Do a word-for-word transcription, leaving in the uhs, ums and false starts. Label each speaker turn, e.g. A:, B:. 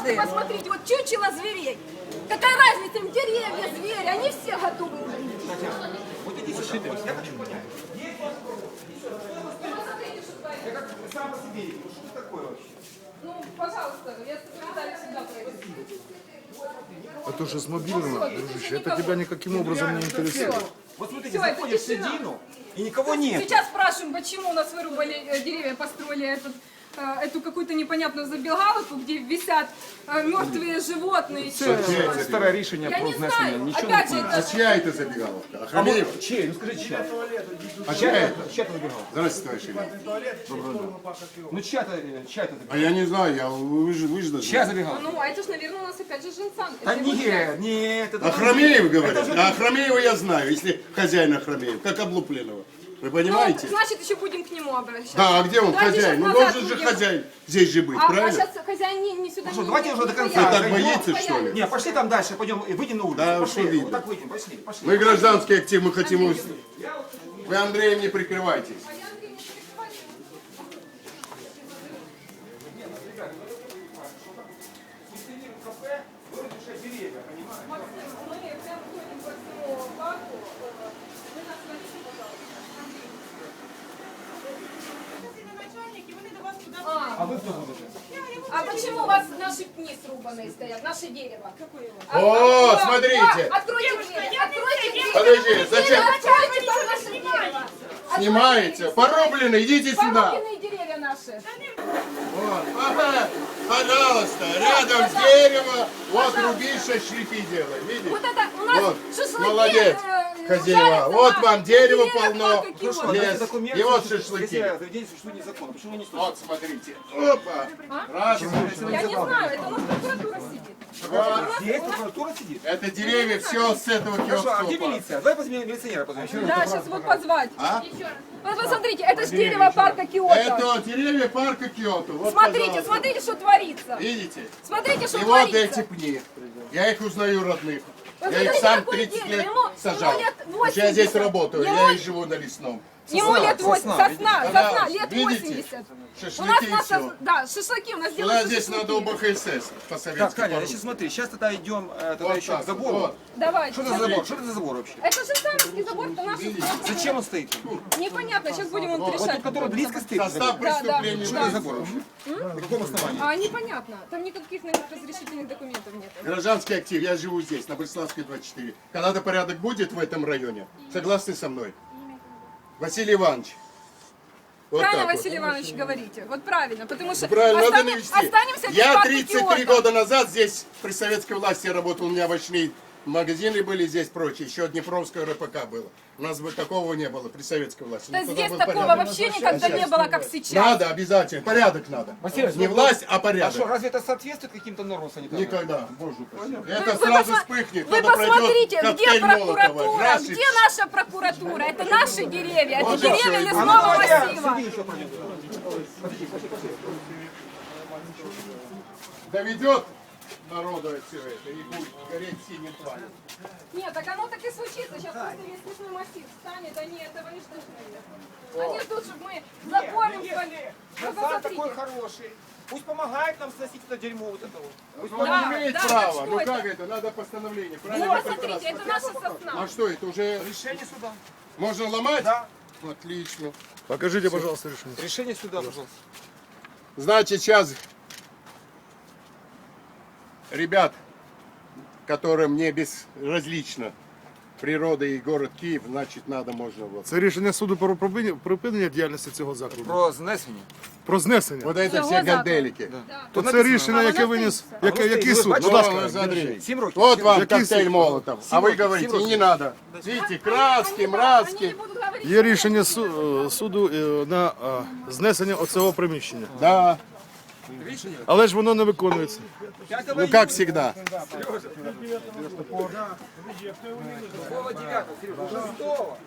A: Просто посмотрите, вот чучело зверей. Какая разница, им деревья, звери, они все готовы умереть.
B: Вот иди сюда, я хочу понять. Я как сам по себе, ну что такое вообще?
A: Ну, пожалуйста, я секретарь всегда пройду.
C: Это уже с мобильного, дружище, это тебя никаким образом не интересует.
B: Вот смотрите,
A: Всё, это
B: заходишь в
A: тишина.
B: середину, и никого нет.
A: Сейчас спрашиваем, почему у нас вырубали э, деревья, построили этот, э, эту какую-то непонятную забегаловку, где висят э, мертвые животные.
C: Це старе рішення
A: Я
C: про
A: не
C: знесення,
A: знаю,
C: нічого
A: опять
C: не
A: же,
C: помню.
A: это...
D: Чья это забегаловка?
B: А
D: Ахрамеев?
B: вот чей? Ну скажи, чья?
D: А чья это?
B: Чья-то забегал.
D: Здравствуйте, товарищ Илья.
B: Ну чья-то, чья-то
D: А
B: забегал.
D: я не знаю, я, вы же, вы же должны.
B: Чья забегал?
A: Ну, а это же, наверное, у нас опять же женсан.
B: Да
A: Это его
B: нет, нет, это...
D: Ахрамеев, говорят.
B: Это же-
D: А Ахрамеева я знаю, если хозяин Ахрамеев, как облупленного. Вы
A: Ну,
D: понимаете?
A: значит, еще будем к нему обращаться.
D: Да, а где он
A: Давайте
D: хозяин?
A: щас
D: Ну
A: назад
D: должен же
A: уйдем.
D: хозяин здесь же быть,
A: А, а
D: правильно?
A: сейчас хозяин не, не сюда
B: Ну что,
A: не
B: давайте
A: не
B: уже до конца.
D: Вы так
B: Пойдем.
D: боитесь, что ли?
B: Не, пошли там дальше, пойдем, и выйдем на улицу.
D: Да,
B: пошли,
D: что видно.
B: вот так выйдем, пошли, пошли.
D: Мы гражданский актив, мы хотим... ус- Вы Андреем не прикрывайтесь.
A: Мы прям ходим по всему парку. Вы нас водите, пожалуйста.
B: А вы кто будете?
A: А почему у вас наши пни срубанные стоят, наше дерево? А,
D: О,
A: а,
D: смотрите.
A: а, Откройте дверь, откройте дверь.
D: Подожди, зачем?
A: Откройте наше дерево.
D: Снимаете? Порублены, идите сюда.
A: Порубленные деревья наши.
D: Вот, ага, пожалуйста, рядом с деревом, вот руби, шашлыки делай, видишь?
A: Вот это у нас
D: Вот,
A: шашлыки.
D: молодец,
A: э,
D: хозяева.
A: жарятся
D: Вот
A: на
D: вам дерево
A: деревьях,
D: полно,
A: как и
B: Хорошо,
A: вот.
D: лес.
B: давайте документы,
D: И вот
B: если
D: шашлыки.
B: заведение существует незаконно, почему вы не слышите?
D: Вот, смотрите. Опа. Раз,
A: Я не знаю, это у нас прокуратура сидит.
D: два.
B: Здесь прокуратура сидит.
D: Это деревья все с этого
B: Хорошо, а
D: киоска
B: где
D: упало.
B: милиция? Давай позовем милиционера позовем.
A: Да, сейчас вот позвать.
D: А?
A: Вот посмотрите, это же дерево парка Киото.
D: Это деревья парка Киото. Вот,
A: Смотрите,
D: пожалуйста.
A: смотрите, что творится.
D: Видите?
A: Смотрите, что
D: И вот
A: творится.
D: эти пни. Я их узнаю родных. Я
A: Посмотрите,
D: их сам
A: какое
D: тридцать
A: дерево.
D: лет
A: Ему-
D: сажал.
A: ему лет
D: Потому что я здесь
A: восемьдесят.
D: работаю,
A: Ему-
D: я и живу на лесном.
A: Ему лет восемьдесят, сосна, сосна,
D: Пожалуйста,
A: лет
D: видите?
A: восемьдесят. У нас,
D: Шашлыки и
A: нас
D: все.
A: да, шашлыки у нас
D: Туда
A: делают
D: здесь
A: шашлыки.
D: надо ОБХСС
B: Так,
D: по-советски.
B: Таня, значит смотри, сейчас тогда идем э, тогда
D: Вот
B: еще
D: так
B: к забору.
D: вот.
A: Давайте.
B: Что это за забор? Что это за забор вообще?
A: Это же самый забор, это наш.
B: Зачем он стоит?
A: Непонятно, сейчас будем он
B: Вот
A: решать.
B: тот, который близко стоит.
D: Состав
A: Да, да.
D: преступления.
B: Что это за забор вообще? На каком основании?
A: А, непонятно. Там никаких наверное, разрешительных документов нет.
D: Гражданский актив, я живу здесь, на Бреславской двадцать четыре. Когда-то порядок будет в этом районе? Согласны со мной? Василий Иванович. Вот
A: Правильно,
D: так вот.
A: Василий Иванович, говорите. Вот правильно, потому что
D: Правильно, надо
A: остане-
D: навести.
A: останемся без
D: Я
A: парка
D: тридцать три
A: Киото.
D: года назад здесь при советской власти работал, у меня овощные магазины были здесь прочие, еще Днепровское РПК было. У нас бы такого не было при советской власти.
A: Да
D: Ну, тогда
A: здесь
D: был
A: такого
D: порядок.
A: вообще никогда не было, как сейчас.
D: Надо обязательно, порядок надо.
B: Василий,
D: Не
B: ну,
D: власть, а
B: А что,
D: порядок.
B: разве это соответствует каким-то нормам санитарным?
D: Никогда, боже упаси.
A: Вы-
D: Это
A: вы
D: сразу
A: посма-
D: вспыхнет,
A: Вы
D: кто-то пройдет,
A: посмотрите, где
D: коктейль Молотова.
A: прокуратура,
D: Раз и
A: где наша прокуратура? Это наши деревья, это
D: Вот и
A: деревья
D: всё, и
B: А ну
A: лесного
B: давай я
A: массива.
B: среди еще пройдем. Подожди, пошли, пошли.
D: доведет народу от всего это и будет гореть синим пламенем.
A: Нет, так оно так и случится. Сейчас просто весь лесной массив станет, они этого не ждут, наверное. Они ждут, чтобы мы запорим свали. Вы
B: Назад такой
A: посмотрите.
B: хороший. Пусть помогает нам сносить это дерьмо вот это вот. Пусть
D: Он
A: Да,
D: имеет
A: да,
D: право.
A: так что
D: Ну
A: это?
D: как это? Надо постановление.
A: Ну,
D: Правильно?
A: посмотрите,
D: прекрасно.
A: это наша сосна.
D: А что это уже
B: решение суда.
D: можно ломать?
B: Да.
D: Отлично.
C: Покажите, пожалуйста, решение.
B: Решение суда, пожалуйста.
D: Значит, сейчас ребят, которым не безразлично природа и город Киев, значит, надо, можно вот.
C: Це рішення суду про припинення- припинення діяльності цього закладу.
B: Про знесення.
C: Про знесення.
D: Вот это
A: Всего
D: все
A: закона.
D: ганделики.
C: То це
B: написано.
C: рішення,
A: А
C: яке
A: воно
C: виніс,
A: стоїть.
C: яке,
B: Воно
C: який
B: стоїть.
C: суд?
B: Ви
C: Будь
B: бачите?
D: Ну,
C: ласка.
D: смотри.
B: Сім років.
D: Вот
B: Сім
D: вам
C: Який
D: коктейль
C: суд?
D: Молотов. А вы говорите,
B: Сім
D: не надо. Видите, краски,
A: Они
D: мразки.
A: не будут говорить,
C: Є рішення су- е, суду е, на е, знесення оцього приміщення.
D: Да,
B: Рішення.
C: Але ж воно не виконується.
D: ну как всегда.
B: Какого девятого, Сережа? Шестого.